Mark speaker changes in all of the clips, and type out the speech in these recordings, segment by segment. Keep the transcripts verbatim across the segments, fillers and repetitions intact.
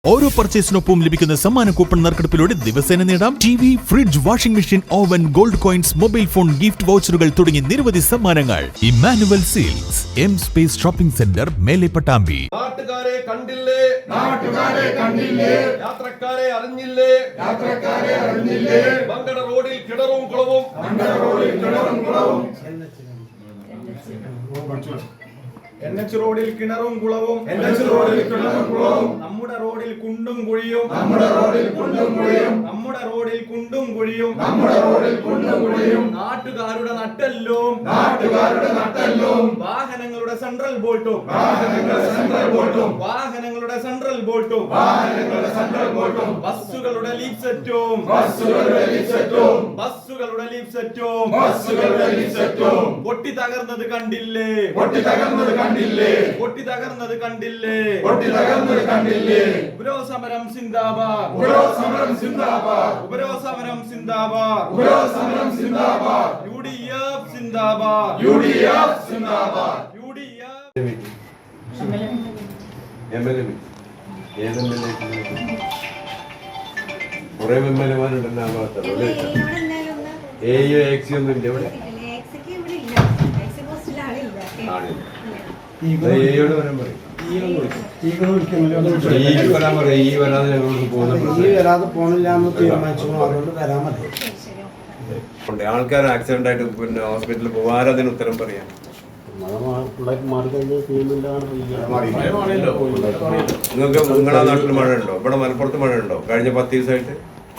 Speaker 1: ഓരോ പർച്ചേസിനൊപ്പം ലഭിക്കുന്ന സമ്മാന കൂപ്പൺ നറുക്കെടുപ്പിലൂടെ ദിവസേന നേടാം T V, fridge, washing machine, oven, gold coins, mobile phone, gift വൗച്ചറുകൾ തുടങ്ങി നിരവധി സമ്മാനങ്ങൾ. Emmanuel Silks, M space shopping centre, മേലെ പട്ടാമ്പി.
Speaker 2: നാട്ടുകാരെ കണ്ടില്ലേ, നാട്ടുകാരെ കണ്ടില്ലേ, യാത്രക്കാരെ അറിഞ്ഞില്ലേ, യാത്രക്കാരെ അറിഞ്ഞില്ലേ, മങ്കട റോഡിൽ കിണറും കുളവും, മങ്കട റോഡിൽ കിണറും കുളവും,
Speaker 3: എൻ എച്ച് റോഡിൽ കിണറും കുളവും,
Speaker 2: എൻ എച്ച് റോഡിൽ കിണറും കുളവും,
Speaker 3: നമ്മുടെ റോഡിൽ കുണ്ടും കുഴിയും,
Speaker 2: നമ്മുടെ റോഡിൽ കുണ്ടും കുഴിയും,
Speaker 3: നമ്മുടെ റോഡിൽ കുണ്ടും കുഴിയും,
Speaker 2: നമ്മുടെ റോഡിൽ കുണ്ടും കുഴിയും,
Speaker 3: നാട്ടുകാരുടെ നട്ടെല്ലും,
Speaker 2: നാട്ടുകാരുടെ നട്ടെല്ലും,
Speaker 3: വാഹനങ്ങളുടെ സെൻട്രൽ ബോൾട്ടും,
Speaker 2: വാഹനങ്ങളുടെ സെൻട്രൽ ബോൾട്ടും,
Speaker 3: വാഹനങ്ങളുടെ സെൻട്രൽ ബോൾട്ടും,
Speaker 2: വാഹനങ്ങളുടെ സെൻട്രൽ ബോൾട്ടും,
Speaker 3: ബസ്സുകളുടെ ലീഫ് സെറ്റും,
Speaker 2: ബസ്സുകളുടെ ലീഫ് സെറ്റും,
Speaker 3: ബസ്സുകളുടെ ലീഫ് സെറ്റും,
Speaker 2: ബസ്സുകളുടെ ലീഫ് സെറ്റും,
Speaker 3: പൊട്ടി തകർന്നത് കണ്ടില്ലേ,
Speaker 2: പൊട്ടി തകർന്നത് കണ്ടില്ലേ,
Speaker 3: പൊട്ടി തകർന്നത് കണ്ടില്ലേ,
Speaker 2: പൊട്ടി തകർന്നത് കണ്ടില്ലേ,
Speaker 3: ഉപരോധ സമരം സിന്ദാബാദ്,
Speaker 2: ഉപരോധ സമരം സിന്ദാബാദ്,
Speaker 3: ഉപരോധ സമരം സിന്ദാബാദ്,
Speaker 2: ഉപരോധ സമരം സിന്ദാബാദ്,
Speaker 3: യു ഡി എഫ് സിന്ദാബാദ്,
Speaker 2: യു ഡി എഫ് സിന്ദാബാദ്,
Speaker 3: യു ഡി എഫ്.
Speaker 4: കുറെ എംഎൽഎമാരുണ്ടല്ലോ ആ ഭാഗത്ത്. എയോ എക്സി ഒന്നും ഇല്ല ഇവിടെ. എയോട് വരാൻ പറയും. ഈ വരാൻ പറയും. ഈ വരാതെ ഞങ്ങളോട് പോകുന്ന ആൾക്കാർ ആക്സിഡന്റ് ആയിട്ട് പിന്നെ ഹോസ്പിറ്റലിൽ പോകാൻ അതിന് ഉത്തരം പറയാം. നിങ്ങൾക്ക് നിങ്ങളുടെ നാട്ടിൽ മഴ ഉണ്ടോ? ഇവിടെ മലപ്പുറത്ത് മഴ ഉണ്ടോ കഴിഞ്ഞ പത്ത് ദിവസമായിട്ട്?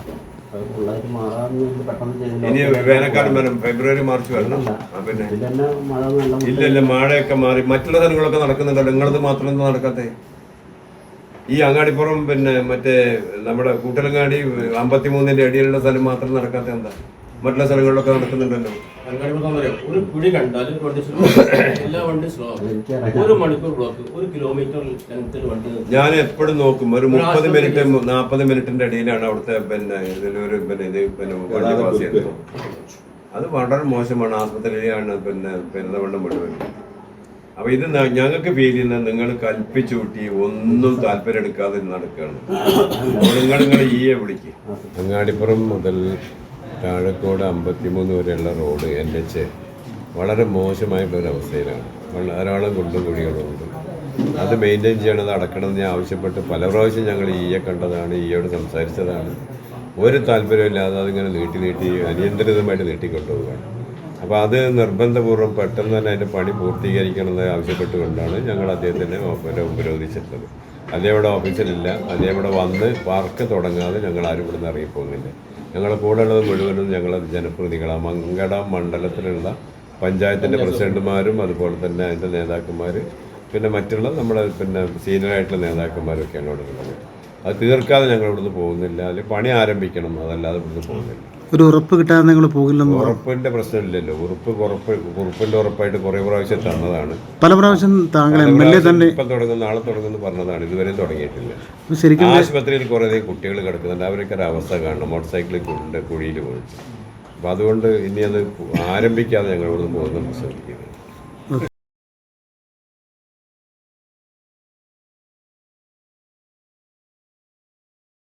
Speaker 4: ഇനി വേനൽക്കാലം വരും, ഫെബ്രുവരി മാർച്ച് വരണം. പിന്നെ ഇല്ലല്ല, മഴയൊക്കെ മാറി മറ്റുള്ള സ്ഥലങ്ങളൊക്കെ നടക്കുന്നുണ്ടല്ലോ, നിങ്ങളത് മാത്രം എന്താ നടക്കാത്തേ? ഈ അങ്ങാടിപ്പുറം പിന്നെ മറ്റേ നമ്മുടെ കൂട്ടലങ്ങാടി അമ്പത്തിമൂന്നിന്റെ അടിയിലുള്ള സ്ഥലം മാത്രം നടക്കാത്ത എന്താ? മറ്റുള്ള സ്ഥലങ്ങളിലൊക്കെ നടക്കുന്നുണ്ടല്ലോ.
Speaker 5: ഒരു കുഴി കണ്ടാൽ എല്ലാ വണ്ടി സ്ലോ, ഒരു മണിക്കൂർ ബ്ലോക്ക്, ഒരു കിലോമീറ്റർ വണ്ടി.
Speaker 4: ഞാൻ എപ്പോഴും നോക്കും, ഒരു മുപ്പത് മിനിറ്റ് നാൽപ്പത് മിനിറ്റിന്റെ ഇടയിലാണ് അവിടുത്തെ പിന്നെ ഇതിലൊരു പിന്നെ ഇത് പിന്നെ വണ്ടി പാസ് ചെയ്യുന്നത്. അത് വളരെ മോശമാണ്. ആസ്പത്രിയിലാണ് പിന്നെ പെരുന്തവണ്ണം മുഴുവൻ. അപ്പൊ ഇത് ഞങ്ങൾക്ക് ഫീൽ ചെയ്യുന്നത് നിങ്ങൾ കൽപ്പിച്ചു കൂട്ടി ഒന്നും താല്പര്യം എടുക്കാതെ നടക്കുകയാണ്. നിങ്ങൾ നിങ്ങൾ ഈയെ വിളിക്ക്. അങ്ങാടിപ്പുറം മുതൽ താഴക്കോട് അമ്പത്തിമൂന്ന് വരെയുള്ള റോഡ് എൻ എച്ച് വളരെ മോശമായിട്ടുള്ളൊരവസ്ഥയിലാണ്. ധാരാളം കുണ്ടും കുഴികളുണ്ട്. അത് മെയിൻറ്റെയിൻ ചെയ്യണത് അടക്കണമെന്ന് ഞാൻ ആവശ്യപ്പെട്ട് പല പ്രാവശ്യം ഞങ്ങൾ ഈയെ കണ്ടതാണ്, ഈയോട് സംസാരിച്ചതാണ്. ഒരു താല്പര്യമില്ലാതെ അതിങ്ങനെ നീട്ടി നീട്ടി അനിയന്ത്രിതമായിട്ട് നീട്ടിക്കൊണ്ടുപോവുകയാണ്. അപ്പോൾ അത് നിർബന്ധപൂർവ്വം പെട്ടെന്ന് തന്നെ അതിൻ്റെ പണി പൂർത്തീകരിക്കണമെന്ന് ആവശ്യപ്പെട്ടുകൊണ്ടാണ് ഞങ്ങൾ അദ്ദേഹത്തിനെ ഉപരോധിച്ചിട്ടുള്ളത്. അതേവിടെ ഓഫീസിലില്ല, അതേവിടെ വന്ന് വർക്ക് തുടങ്ങാതെ ഞങ്ങൾ ആരും ഇവിടെ നിന്ന് ഇറങ്ങിപ്പോകുന്നില്ല. ഞങ്ങളുടെ കൂടെ ഉള്ളത് മുഴുവനും ഞങ്ങൾ ജനപ്രതിനിധികളാണ്. മങ്കട മണ്ഡലത്തിലുള്ള പഞ്ചായത്തിൻ്റെ പ്രസിഡന്റുമാരും അതുപോലെ തന്നെ അതിൻ്റെ നേതാക്കന്മാർ, പിന്നെ മറ്റുള്ള നമ്മുടെ പിന്നെ സീനിയറായിട്ടുള്ള നേതാക്കന്മാരൊക്കെയാണ് ഇവിടെ ഉള്ളത്. അത് തീർക്കാതെ ഞങ്ങൾ ഇവിടുന്ന് പോകുന്നില്ല. അല്ലെങ്കിൽ പണി ആരംഭിക്കണം, അതല്ലാതെ ഇവിടുന്ന് പോകുന്നില്ല.
Speaker 6: ഒരു ഉറപ്പ് കിട്ടാതെ നിങ്ങൾ പോകില്ലെന്ന്.
Speaker 4: ഉറപ്പിന്റെ പ്രശ്നമില്ലല്ലോ. ഉറപ്പ് ഉറപ്പ് ഉറപ്പിന്റെ ഉറപ്പായിട്ട് കുറെ പ്രാവശ്യം തന്നതാണ്.
Speaker 6: പല പ്രാവശ്യം താങ്കൾ എം എൽ എ തന്നെ
Speaker 4: ഇപ്പം തുടങ്ങും നാളെ തുടങ്ങുന്നു പറഞ്ഞതാണ്. ഇതുവരെയും തുടങ്ങിയിട്ടില്ല.
Speaker 6: ശരിക്കും
Speaker 4: ആശുപത്രിയിൽ കുറേ കുട്ടികൾ കിടക്കുന്നുണ്ട്. അവരൊക്കെ ഒരു അവസ്ഥ കാണണം. മോട്ടോർ സൈക്കിളിൽ കൊണ്ട് കുഴിയിൽ പോയിട്ട്. അപ്പം അതുകൊണ്ട് ഇനി അത് ആരംഭിക്കാതെ ഞങ്ങൾ ഇവിടുന്ന് പോകുന്ന ശ്രമിക്കുന്നത്.